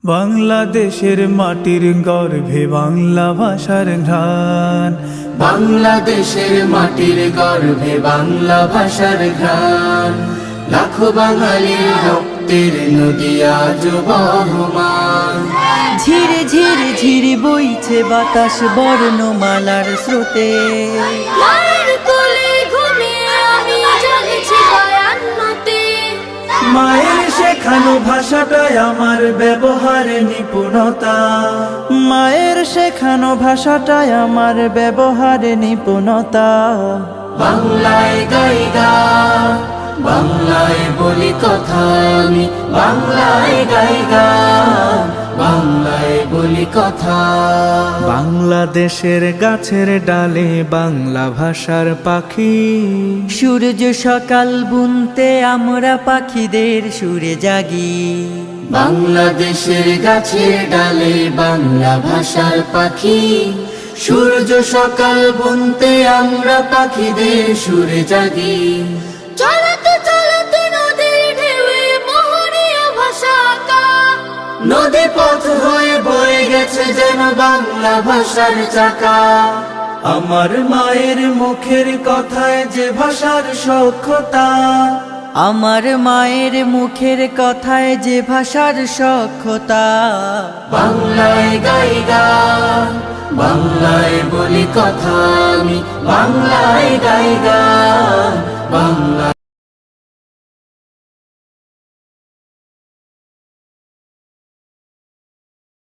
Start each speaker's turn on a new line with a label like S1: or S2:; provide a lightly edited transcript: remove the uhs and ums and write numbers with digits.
S1: বাংলাদেশের মাটির গর্ভে বাংলা ভাষার ঘ্রাণ,
S2: বাংলাদেশের মাটির গর্ভে বাংলা ভাষার ঘ্রাণ। লাখো বাঙালির রক্তের নদী আজ বহমান।
S3: ঝিরে ঝিরে ঝিরে বইছে বাতাস বর্ণমালার স্রোতে।
S4: মায়ের কোলে ঘুমিয়ে আমি জেগেছি বায়ান্নতে।
S1: মায়ের শেখানো ভাষাটাই আমার ব্যবহারে নিপুণতা।
S3: মায়ের শেখানো ভাষাটাই আমার ব্যবহারে নিপুণতা।
S2: বাংলায় গাই গান, বাংলায় বলি কথা আমি, বাংলায় গাই গান, বাংলায় বলি কথা।
S1: বাংলাদেশের গাছের ডালে বাংলা ভাষার পাখি,
S3: সূর্য সকাল বুনতে আমরা পাখিদের সুরে জাগি।
S2: বাংলাদেশের গাছের ডালে বাংলা ভাষার পাখি, সূর্য সকাল বুনতে আমরা পাখিদের সুরে জাগি।
S4: চলতে চলতে নদীর ঢেউয়ে মোহনীয় ভাষা আঁকা।
S2: নদী পথ হয়ে বয়ে গেছে যেন বাংলা ভাষার চাকা।
S1: আমার মায়ের মুখের কথায় যে ভাষার সখ্যতা।
S3: আমার মায়ের মুখের কথায় যে ভাষার সখ্যতা।
S2: বাংলায় গাই গান, বাংলায় বলি কথা আমি, বাংলায় গাই গান, বাংলা।